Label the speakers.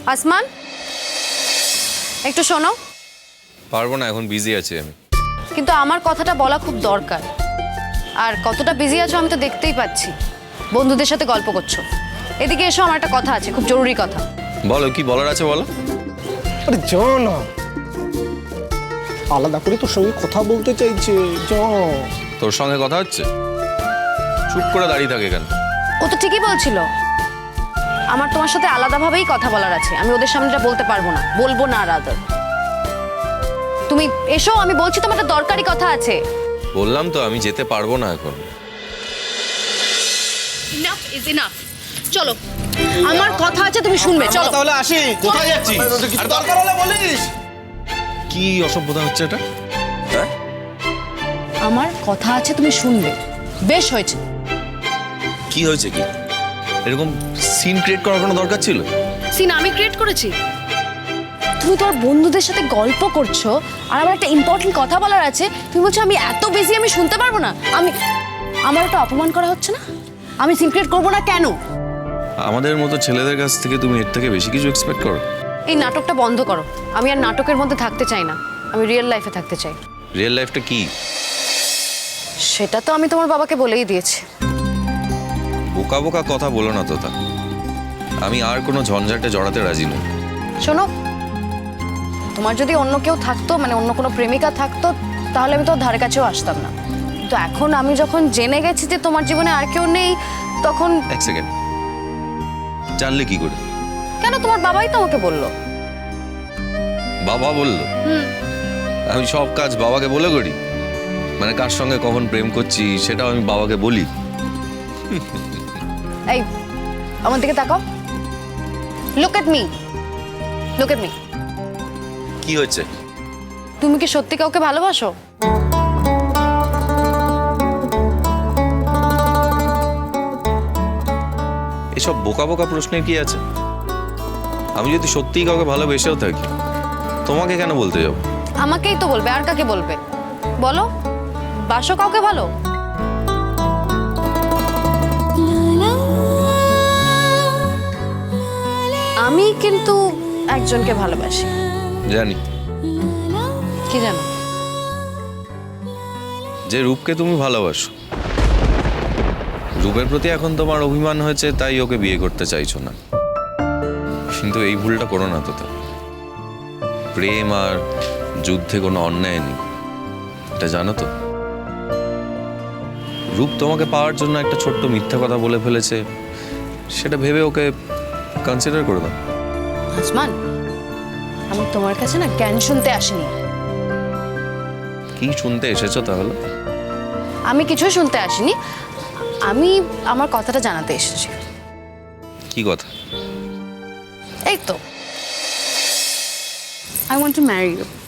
Speaker 1: আসমান, একটু শোনো।
Speaker 2: পারবো না, এখন বিজি আছি আমি।
Speaker 1: কিন্তু আমার কথাটা বলা খুব দরকার। আর কতটা বিজি আছো আমি তো দেখতেই পাচ্ছি। বন্ধুদের সাথে গল্প করছো। এদিকে এসো, আমার একটা কথা আছে, খুব জরুরি কথা।
Speaker 2: বলো, কি বলার আছে বলো।
Speaker 3: আরে যা না, আলাদা করে তোর সঙ্গে কথা বলতে চাইছে। যা।
Speaker 2: তোর সঙ্গে কথা হচ্ছে? চুপ করে দাঁড়িয়ে থাকে কেন?
Speaker 1: ও তো ঠিকই বলছিল, আমার তোমার সাথে আলাদাভাবেই কথা বলার আছে। আমি ওদের সামনে বলতে পারবো না, বলবো না। রাদার তুমি এসো, আমি বলছি তোমার একটা দরকারি কথা আছে।
Speaker 2: বললাম তো আমি যেতে পারবো না এখন।
Speaker 1: Enough is enough. চলো, আমার কথা আছে, তুমি শুনবে। চলো
Speaker 4: তাহলে আসি। কোথায় যাচ্ছি? কিছু দরকার হলে বলিস।
Speaker 2: কি অসভ্যতা হচ্ছে এটা? হ্যাঁ,
Speaker 1: আমার কথা আছে, তুমি শুনবে। বেশ হয়েছে।
Speaker 2: কি হয়েছে? কি এরকম সিন ক্রিয়েট করার কোনো দরকার ছিল?
Speaker 1: সিন আমি ক্রিয়েট করেছি? তুমি তোমার বন্ধুদের সাথে গল্প করছো, আর আমার একটা ইম্পর্টেন্ট কথা বলার আছে, তুমি বলছো আমি এত বিজি আমি শুনতে পারবো না। আমার একটা অপমান করা হচ্ছে না? আমি সিন ক্রিয়েট করবো না কেন?
Speaker 2: আমাদের মতো ছেলেদের কাছ থেকে তুমি এর থেকে বেশি কিছু এক্সপেক্ট করো?
Speaker 1: এই নাটকটা বন্ধ করো। আমি আর নাটকের মধ্যে থাকতে চাই না, আমি রিয়েল লাইফে থাকতে চাই।
Speaker 2: রিয়েল লাইফটা কি?
Speaker 1: সেটা তো আমি তোমার বাবাকে বলেই দিয়েছি।
Speaker 2: বোকা বোকা কথা বলো না তোতা। আমি আর কোনো ঝঞ্ঝাটে জড়াতে রাজি নই।
Speaker 1: শোনো, তোমার যদি অন্য কেউ থাকতো, মানে অন্য কোনো প্রেমিকা থাকতো, তাহলে আমি তোর ধারে কাছেও আসতাম না। কিন্তু এখন আমি যখন জেনে গেছি যে তোমার জীবনে আর কেউ নেই, তখন...
Speaker 2: এক সেকেন্ড, জানলে কি করে?
Speaker 1: কেন, তোমার বাবাই তো আমাকে বললো।
Speaker 2: বাবা বললো? আমি সব কাজ বাবাকে বলে করি? মানে কার সঙ্গে কখন প্রেম করছি সেটাও আমি বাবাকে বলি?
Speaker 1: এই, আমার দিকে তাকাও। Look at me, look at me.
Speaker 2: কি হচ্ছে?
Speaker 1: তুমি কি সত্যি কাউকে ভালোবাসো?
Speaker 2: এসব বোকা বোকা প্রশ্নের কি আছে? আমি যদি সত্যিই কাউকে ভালোবেসেও থাকি, তোমাকে কেন বলতে যাব?
Speaker 1: আমাকেই তো বলবে, আর কাকে বলবে? বলো, বাসো কাউকে ভালো? আমি কিন্তু একজনকে ভালোবাসি।
Speaker 2: জানি।
Speaker 1: কি জানো?
Speaker 2: যে রূপকে তুমি ভালোবাসো। রূপের প্রতি এখন তোমার অভিমান হয়েছে, তাই ওকে বিয়ে করতে চাইছো না। কিন্তু এই ভুলটা করো না তোতা। প্রেম আর যুদ্ধে কোনো অন্যায় নেই, এটা জানো তো? রূপ তোমাকে পাওয়ার জন্য একটা ছোট্ট মিথ্যা কথা বলে ফেলেছে, সেটা ভেবে ওকে কনসিডার করে দাও।
Speaker 1: আসমান, আমি তোমার কাছে না জ্ঞান শুনতে আসিনি।
Speaker 2: কি শুনতে এসেছো তাহলে?
Speaker 1: আমি কিছুই শুনতে আসিনি, আমি আমার কথাটা জানাতে এসেছি।
Speaker 2: কি কথা?
Speaker 1: এই তো, I want to marry you.